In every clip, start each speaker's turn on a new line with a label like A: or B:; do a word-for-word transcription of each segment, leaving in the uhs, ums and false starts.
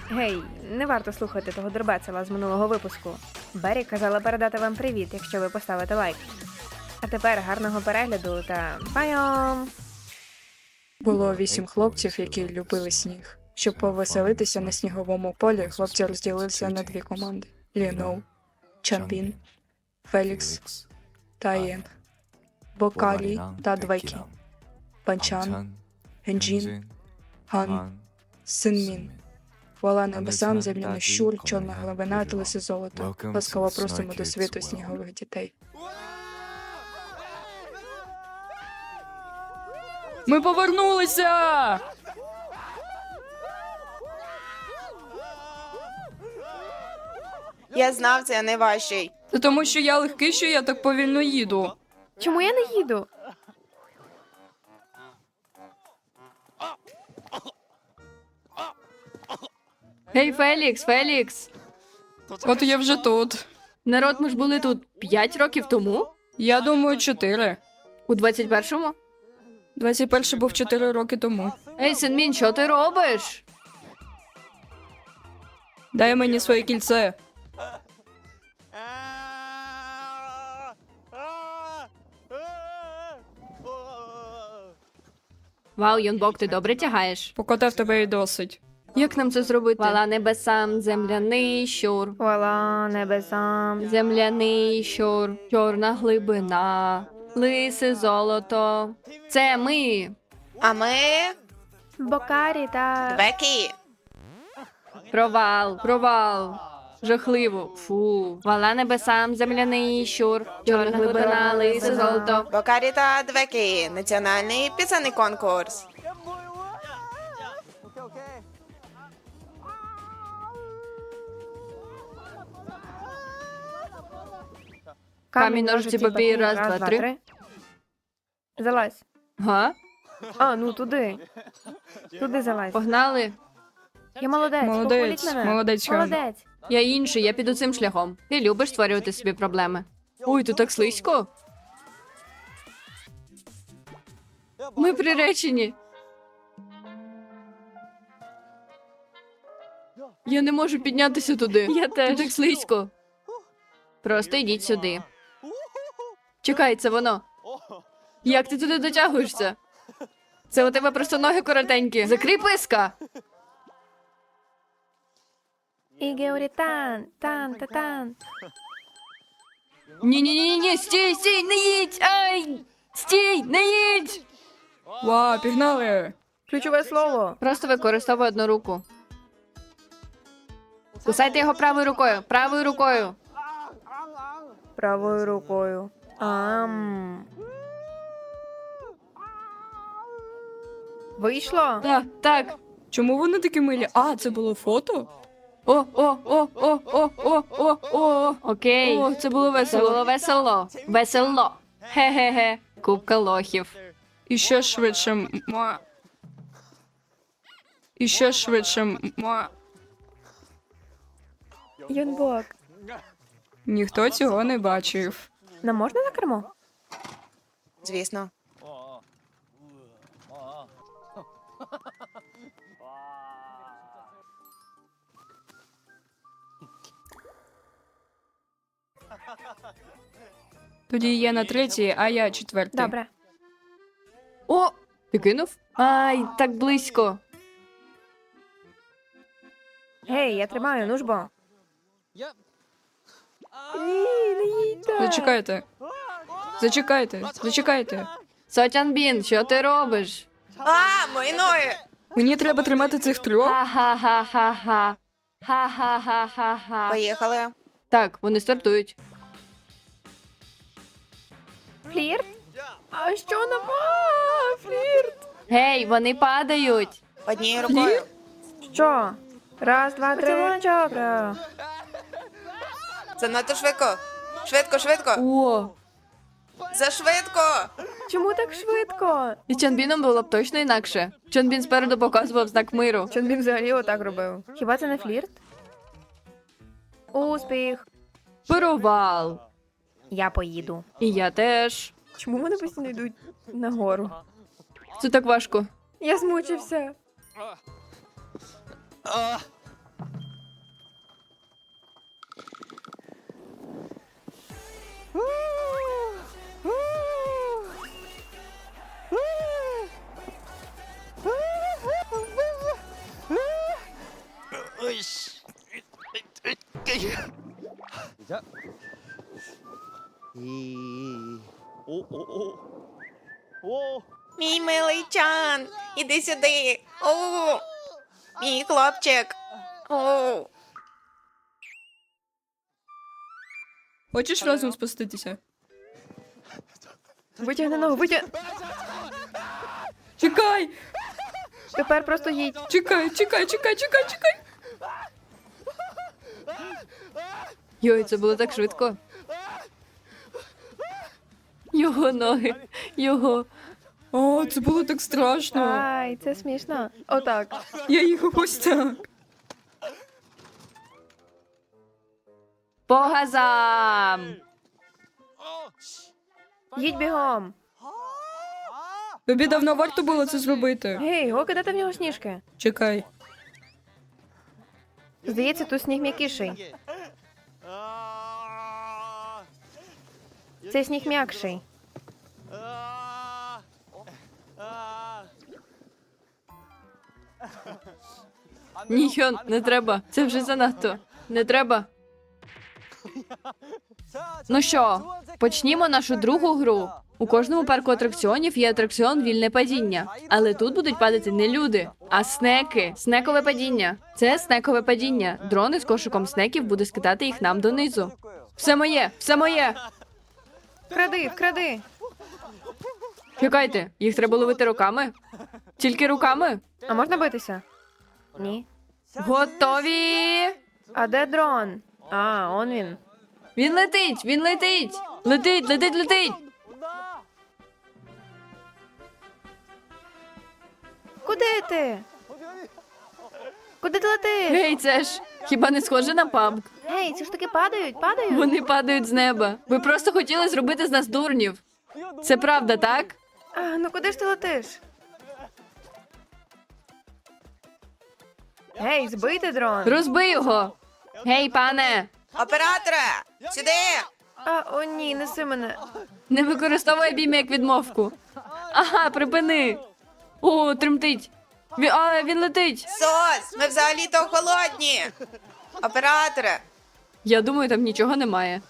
A: Гей, не варто слухати того дурбецела з минулого випуску. Бері казала передати вам привіт, якщо ви поставите лайк. А тепер гарного перегляду та пайом!
B: Було вісім хлопців, які любили сніг. Щоб повеселитися на сніговому полі, хлопці розділилися на дві команди: Ліноу, Чанбін, Фелікс та Єн, Бокалі та Двайкі, Панчан, Генджін, Ган, Синмін. Хвала небесам, земляний щур, чорна глибина та лисе золото. Ласкаво просимо до світу снігових дітей.
C: Ми повернулися!
D: Я знав, це найважчий.
C: Це тому, що я легкий, що я так повільно їду.
A: Чому я не їду?
E: Гей, Фелікс, Фелікс!
C: От я вже тут.
E: Народ, ми ж були тут п'ять років тому?
C: Я думаю, чотири.
E: У двадцять першому?
C: двадцять перший був чотири роки тому.
E: Ей, Синмін, що ти робиш?
C: Дай мені своє кільце.
E: Вау, Йонбок, ти добре тягаєш?
C: Покотав тебе і досить.
E: Як нам це зробити? Хвала небесам, земляний щур.
A: Хвала небесам.
E: Земляний щур, чорна глибина, лисе золото. Це ми.
D: А ми
A: Бокарі та...
D: Бекі.
E: Провал, провал. Жахливо. Фу. Хвала небесам, земляний щур, чорна глибина, лисе золото.
D: Бокарі та Двекі. Національний пісенний конкурс.
E: Камінь, ножиці, папір, раз, два, три.
A: Залазь.
E: Га?
A: А, ну туди. Туди залазь.
E: Погнали.
A: Я молодець,
C: Молодець,
A: похваліть мене.
C: молодець, Хан.
A: Молодець.
E: Я інший, я піду цим шляхом. Ти любиш створювати собі проблеми. Ой, тут так слизько. Ми приречені. Я не можу піднятися туди. Я теж. Тут так слизько. Просто йдіть сюди. Чекай, це воно. Як ти туди дотягуєшся? Це у тебе просто ноги коротенькі. Закрий писка.
A: Ігеорітан, тан, та тан.
E: Ні-ні-ні-ні, стій, стій, не їдь! Ай! Стій, не їдь!
C: Ва, пігнали!
A: Ключове слово.
E: Просто використовуй одну руку. Кусайте його правою рукою, правою рукою.
A: Правою рукою. Ам. Вийшло?
E: Так, так.
C: Чому вони такі милі? А, це було фото?
E: О, о, о, о, о, о, о, о. Окей.
C: О, це було
E: Це
C: весело.
E: було весело. Весело. Хе-хе-хе. Купка лохів.
C: І ще швидше. Ма. І ще швидше. Ма.
A: Йонбок.
C: Ніхто цього не бачив.
A: Нам можна на кермо?
D: Звісно.
C: Тоді є на третій, а я четвертий.
A: Добре.
E: О, ти кинув? Ай, так близько.
A: Гей, я тримаю, ну ж бо. Ні, не їдьте.
C: Зачекайте. Зачекайте, зачекайте.
E: Сотянбін, що ти робиш?
D: А, мої ноги.
C: Мені треба тримати цих трьох.
E: Ха-ха-ха-ха-ха. Ха-ха-ха-ха-ха.
D: Поїхали.
E: Так, вони стартують.
A: Флірт? А що нам? А, флірт.
E: Гей, вони падають.
D: Однією рукою.
A: Що? Раз, два, три. Добре.
D: Занадто швидко. Швидко, швидко.
E: О,
D: Зашвидко.
A: Чому так швидко?
E: і Чонбіном було б точно інакше. Чонбін спереду показував знак миру.
A: Чонбін взагалі отак робив. Хіба це не флірт? Успіх.
E: Провал.
A: Я поїду.
E: І я теж.
A: Чому вони постійно йдуть нагору?
E: Це так важко.
A: Я змучився.
F: 시작. 이. 오, 오, 오. 오.
D: Мій милий Чан, іди сюди. О, мій хлопчик. О.
C: Хочеш разом спуститися?
A: Витягни ногу, витяг...
C: Чекай!
A: Тепер просто їдь.
C: Чекай, чекай, чекай, чекай, чекай!
E: Йой, це було так швидко. Його ноги, його.
C: О, це було так страшно.
A: Ай, це смішно. Отак.
C: Я їхав ось так.
E: По газам!
A: Їдь бігом.
C: Тобі давно варто було це зробити.
A: Гей, го кидати в нього сніжки.
C: Чекай.
A: Здається, тут сніг м'якіший.
F: 아.
A: Цей сніг м'якший.
F: 아. 아.
E: Ні, Хьон, не треба. Це вже занадто. Не треба. Ну що, почнімо нашу другу гру. У кожному парку атракціонів є атракціон вільне падіння. Але тут будуть падати не люди, а снеки. Снекове падіння. Це снекове падіння. Дрон з кошиком снеків буде скидати їх нам донизу. Все моє, все моє.
A: Вкради, вкради.
E: Чекайте, їх треба ловити руками? Тільки руками?
A: А можна битися? Ні.
E: Готові?
A: А де дрон? А, он він.
E: Він летить, він летить. Летить, летить, летить.
A: Куди ти? Куди ти летиш?
E: Гей, це ж хіба не схоже на паб?
A: Гей, ці штуки падають, падають.
E: Вони падають з неба. Ви просто хотіли зробити з нас дурнів. Це правда, так?
A: А, ну куди ж ти летиш? Гей, збийте дрон.
E: Розбий його. Гей, пане,
D: Операторе, сюди.
A: А, о ні, неси мене.
E: не використовуй обійми як відмовку. Ага, припини. О, тремтить. Він, а, він летить.
D: Сос, ми взагалі-то холодні. Операторе,
E: Я думаю, там нічого немає.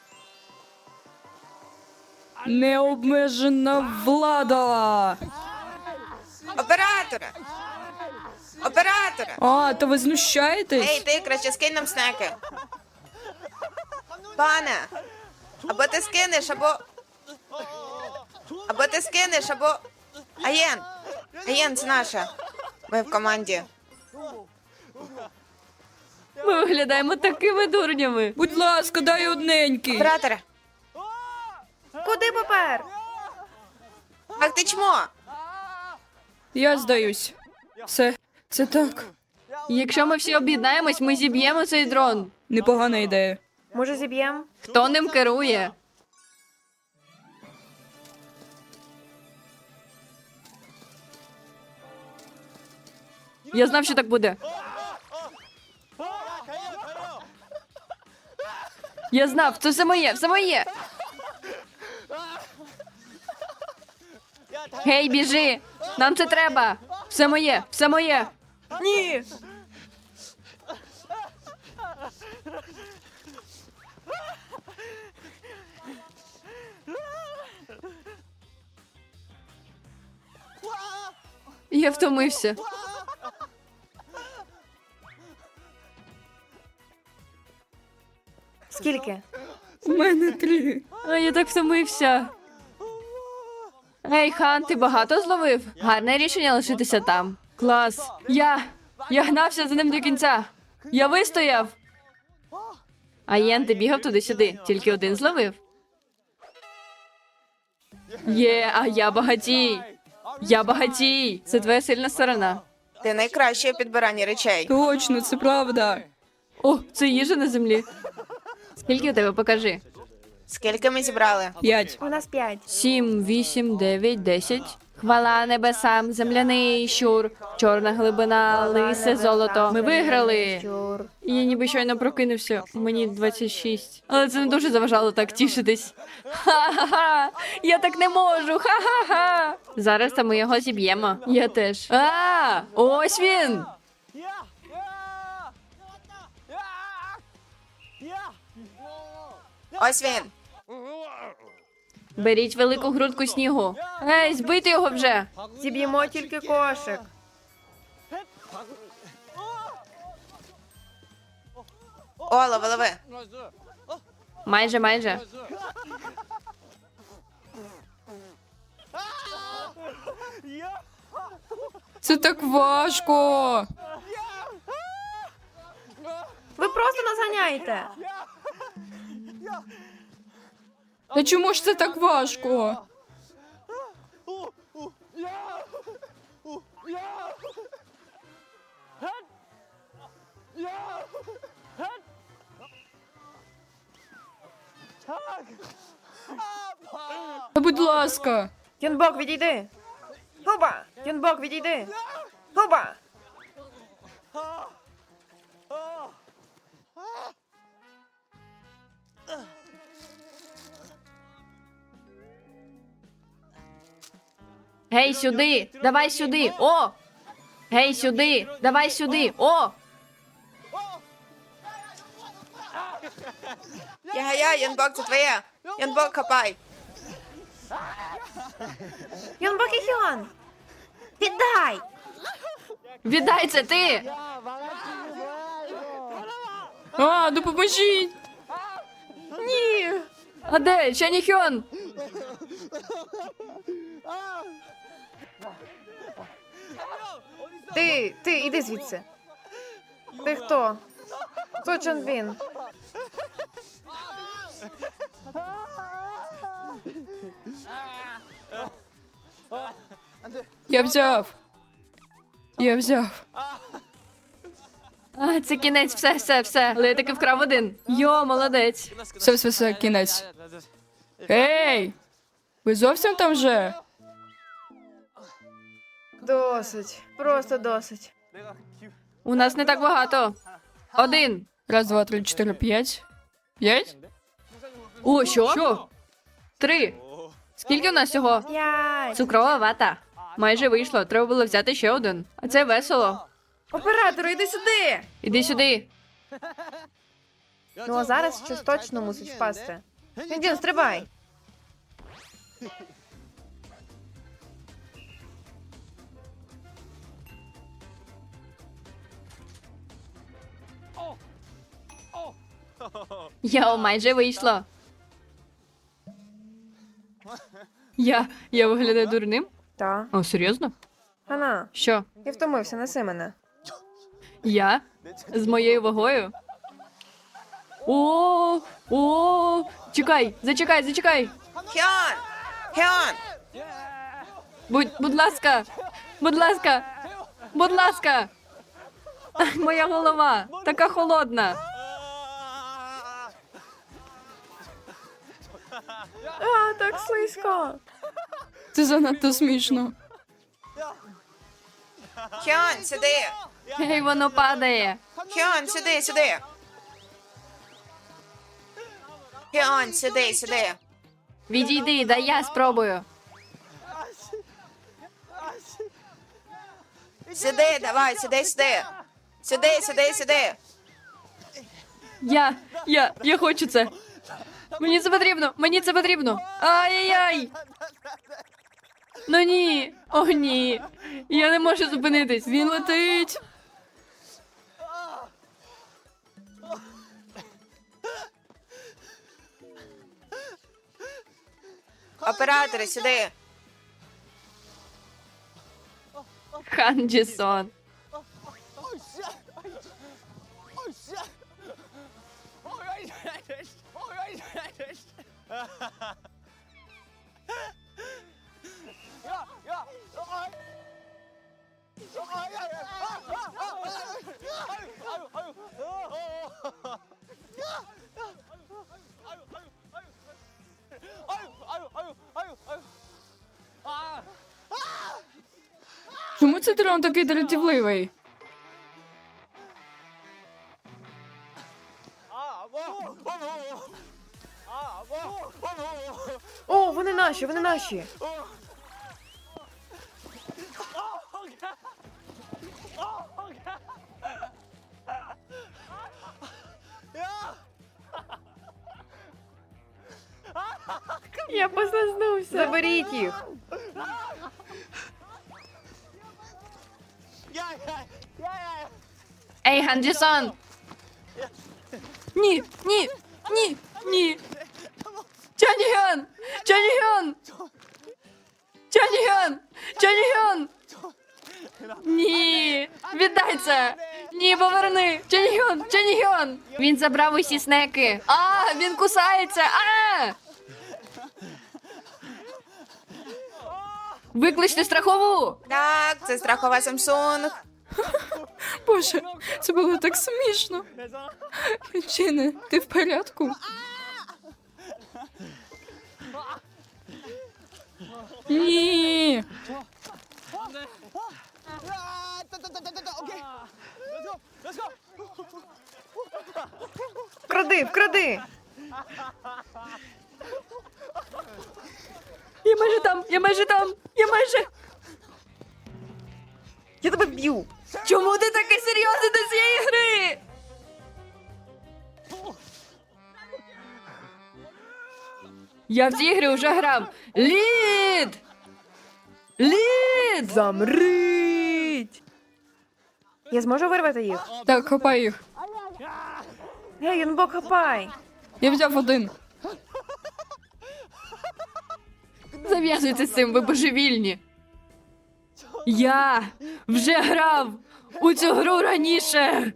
C: Необмежена влада.
D: операторе. Операторе.
C: А, то ви знущаєтесь?
D: Ей, ти краще скинь нам снеки. Пане, або ти скинеш, або. Або ти скинеш, або. Аєн. Аєн, це наша. Ми в команді.
E: Ми виглядаємо такими дурнями.
C: Будь ласка, дай одненький.
D: Операторе,
A: Куди попер?
D: ах ти чмо.
C: Я здаюсь. Все, це так.
E: Якщо ми всі об'єднаємось, ми зіб'ємо цей дрон.
C: Непогана ідея.
A: Може, зіб'єм?
E: Хто ним керує? Я знав, що так буде. Я знав, це все моє, все моє. Гей, біжи! Нам це треба! Все моє, все моє!
A: Ні.
E: Я втомився.
A: Скільки?
C: У мене три.
E: А я так втомився. Ей, Хан, ти багато зловив? Гарне рішення лишитися там. Клас. Я. Я гнався за ним до кінця. Я вистояв. А Єн, ти бігав туди-сюди. Тільки один зловив. Є, а я багатій. Я багатій. Це твоя сильна сторона.
D: Ти найкращий у підбиранні речей.
C: Точно, це правда.
E: О, це їжа на землі. Скільки у тебе покажи?
D: Скільки ми зібрали?
C: П'ять.
A: У нас п'ять.
E: Сім, вісім, дев'ять, десять. Хвала небесам, земляний щур, чорна глибина, лисе золото. Ми виграли.
A: Щур.
E: Я ніби щойно прокинувся. Мені двадцять шість. Але це не дуже заважало так тішитись. Ха-ха-ха! Я так не можу! Ха-ха-ха! Зараз та ми його зіб'ємо. Я теж. А, ось він!
D: Ось він.
E: Беріть велику грудку снігу. Ей, збийте його вже!
A: Зіб'ємо тільки кошик.
D: О, лови, лови.
E: Майже, майже.
C: Це так важко.
A: Ви просто нас ганяєте.
C: Та чому ж це так важко? Та будь ласка.
A: Юнбок, відійди. Губа! Юнбок, відійди. Губа!
E: Гей, сюди! Давай сюди! О! Гей, сюди! Давай сюди! О!
D: Я-я, Янбок, це твоє. Янбок, хапай.
A: Юнбок і Хьон! Віддай!
E: Віддай це ти!
C: А, допоможіть.
A: Ні!
E: А де? Чаніхьон?
A: Ти, ти, іди звідси. Ти хто? Хто Чонбін?
C: Я взяв. Я взяв.
E: А, це кінець, все, все, все. Але я таки вкрав один. Йо, молодець.
C: Все, все, все, кінець. Ей! Ви зовсім там вже?
A: Досить. Просто досить.
E: У нас не так багато. Один.
C: Раз, два, три, чотири, п'ять. П'ять?
E: О, що? Що? Три. Скільки у нас всього?
A: П'ять.
E: Цукрова вата. Майже вийшло. Треба було взяти ще один. А це весело.
A: Оператору, іди сюди!
E: Іди сюди.
A: Ну а зараз щось точно мусить впасти. Індін, стрибай!
E: Йо, майже вийшло. Я. Я виглядаю дурним?
A: Та.
E: О, серйозно?
A: Хана,
E: Що?
A: я втомився, неси мене.
E: Я? З моєю вагою? О, о, чекай, зачекай, зачекай.
D: Хьон! Хьон!
E: Будь, будь ласка, будь ласка, будь ласка. Ай, моя голова така холодна.
A: А, так слизько.
C: Це занадто смішно.
D: Хьон, сюди!
E: Гей, воно падає.
D: Хьон, сюди, сюди! Хьон, сюди, сюди!
E: Відійди, дай я спробую.
D: Сюди, давай, сюди, сюди! Сюди, сюди, сюди!
E: Я, я, я хочу це. Мені це потрібно, мені це потрібно. Ай-яй-яй. Ну ні, о ні. Я не можу зупинитись.
C: Він летить.
D: Оператори, сюди!
E: Хан Джісон.
C: Чому цей дрон такий дратівливий?
A: О, вони наші, вони наші. Я послизнувся. Заберіть їх.
E: Ей, Ганджісон! Ні, ні, ні, ні. Чаніган! Чаніган! Чаніган! Чаніган! Ні! Віддай це! Ні, поверни! Чаніган! Чаніган! Він забрав усі снеки! А, він кусається! А! Викличте страхову!
D: Так, це страхова Samsung.
C: Боже, це було так смішно. Чине, ти в порядку? Ні.
A: Вкради, вкради.
E: Я майже там! Я майже там! Я майже!
A: Я тебе б'ю.
E: Чому ти такий серйозний до цієї гри? Я в ці ігри вже грав. Лід! Лід!
A: Замрить. Я зможу вирвати їх?
C: Так, хапай їх.
A: Гей, Юнбок, хапай.
C: Я взяв один.
E: Зав'язуйте з цим, ви божевільні. Я вже грав у цю гру раніше.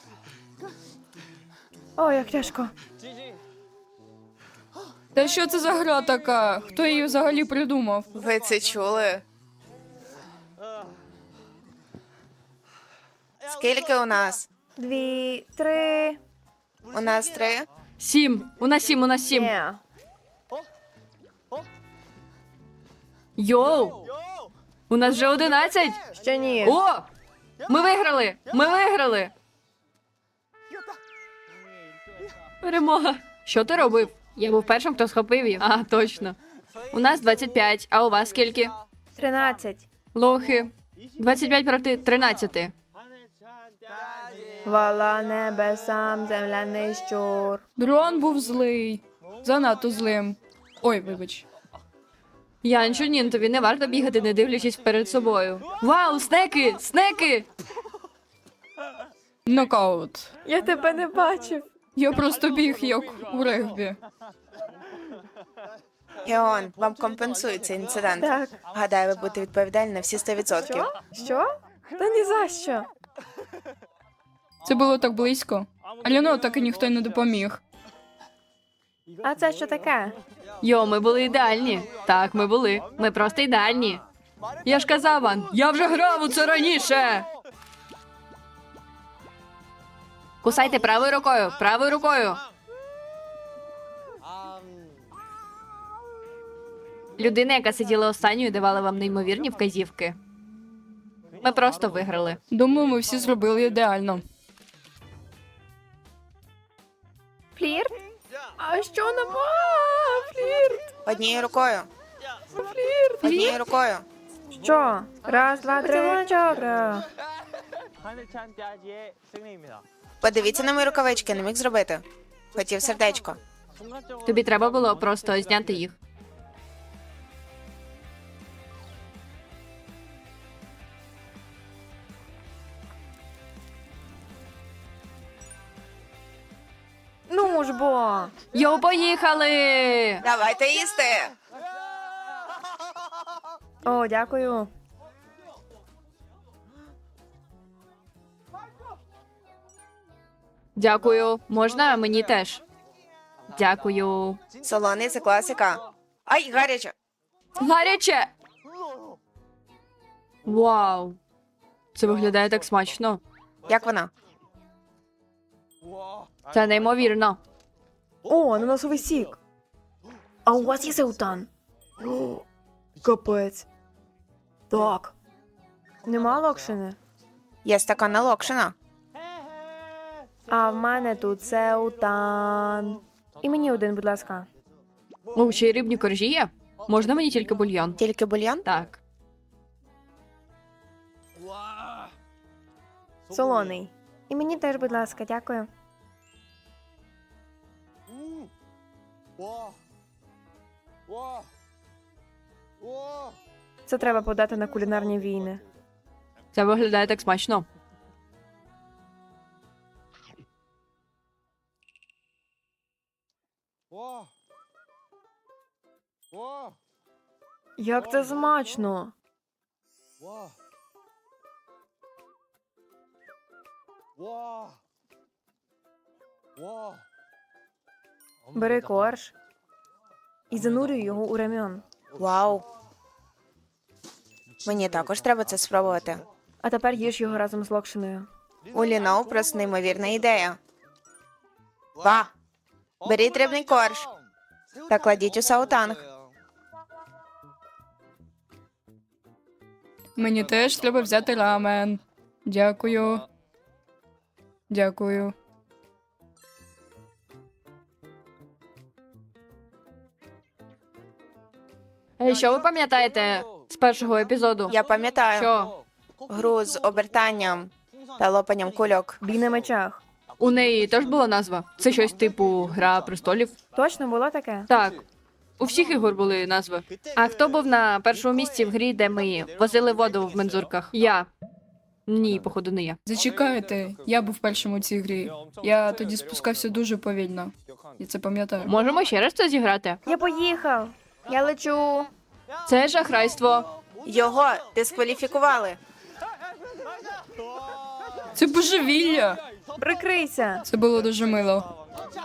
A: О, як тяжко.
C: Та що це за гра така? Хто її взагалі придумав?
D: Ви це чули? Скільки у нас?
A: Дві, три.
D: У нас три.
E: Сім. У нас сім, у нас сім.
A: Ні.
E: Йоу! У нас вже одинадцять.
A: Ще ні.
E: О! Ми виграли! Ми виграли! Перемога. Що ти робив? Я був першим, хто схопив їх. А, точно. У нас двадцять п'ять, а у вас скільки?
A: Тринадцять.
E: Лохи. двадцять п'ять проти тринадцяти.
A: Хвала небесам, земляний щур.
C: Дрон був злий. Занадто злим. Ой, вибач.
E: Янчунін, тобі не варто бігати, не дивлячись перед собою. Вау, снеки! Снеки!
C: Нокаут.
A: Я тебе не бачив.
C: Я просто біг, як у регбі.
D: Геон, вам компенсують цей інцидент.
A: Так.
D: Гадаю, ви будете відповідальні на всі сто відсотків.
A: Що? Що? Та ні за що.
C: Це було так близько. Альоно так і ніхто й не допоміг.
A: А це що таке?
E: Йо, ми були ідеальні. Так, ми були. Ми просто ідеальні. Я ж казав вам, я вже грав у це раніше. Кусайте правою рукою, правою рукою. Людина, яка сиділа останньою, давала вам неймовірні вказівки. Ми просто виграли.
C: Думаю, ми всі зробили ідеально.
A: Флірт? А що нам? А, флірт.
D: Однією рукою.
A: Флірт.
D: Однією рукою.
A: Що? Раз, два, три, чотири.
F: 하늘찬 짜지의 승리입니다.
D: Подивіться на мої рукавички, не міг зробити. Хотів сердечко.
F: 순간적으로
E: Тобі треба було просто зняти їх.
A: Ну ж бо.
E: Йо, поїхали!
D: Давайте їсти.
A: О, дякую.
E: Дякую. Можна мені теж? Дякую.
D: Солоний це класика. Ай, гаряче.
E: Гаряче! Вау. Це виглядає так смачно.
D: Як вона?
E: Це неймовірно.
A: О, ананасовий сік. А у вас є сеутан? О, капець. Так. Нема локшини.
D: Є стакана локшина.
A: А в мене тут сеутан. І мені один, будь ласка.
E: О, ще й рибні коржі є? Можна мені тільки бульйон?
D: Тільки бульйон?
E: Так.
A: Солоний. І мені теж, будь ласка, дякую. Це треба подати на кулінарні війни.
E: Це виглядає так смачно.
A: Як це смачно! Бери корж і занурюй його у рам'ян.
D: Вау. Мені також треба це спробувати.
A: А тепер їж його разом з локшиною.
D: У Ліноу просто неймовірна ідея. Ва! Беріть рибний корж та кладіть у саутанг.
C: Мені теж треба взяти рамен. Дякую. Дякую.
E: Е, Що ви пам'ятаєте з першого епізоду?
D: Я пам'ятаю
E: Що?
D: гру з обертанням та лопанням кульок.
A: Бій на мечах.
E: У неї теж була назва? Це щось типу Гра престолів?
A: Точно було таке?
E: Так. У всіх ігор були назви. А хто був на першому місці в грі, де ми возили воду в мензурках? Я. Ні, походу, не я.
C: Зачекайте, я був першим у цій грі. Я тоді спускався дуже повільно. Я це пам'ятаю.
E: Можемо ще раз це зіграти?
A: Я поїхав. Я лечу.
E: Це шахрайство.
D: Його дискваліфікували.
C: Це божевілля!
A: Прикрийся.
C: Це було дуже мило.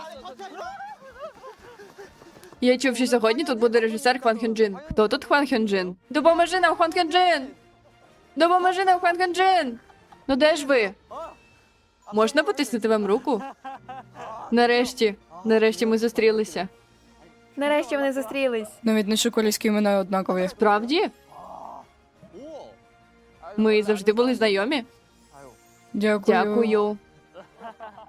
E: Я чув, що сьогодні тут буде режисер Хван Хьонджин. Хто тут Хван Хьонджин? Допоможи нам, Хван Хьонджин! Допоможи нам, Хван Хьонджин! Ну де ж ви? Можна потиснути вам руку? Нарешті, нарешті ми зустрілися.
A: Нарешті вони зустрілись.
C: Навіть наші корейські імена однакові.
E: Правді? Ми завжди були знайомі?
C: Дякую.
E: Дякую.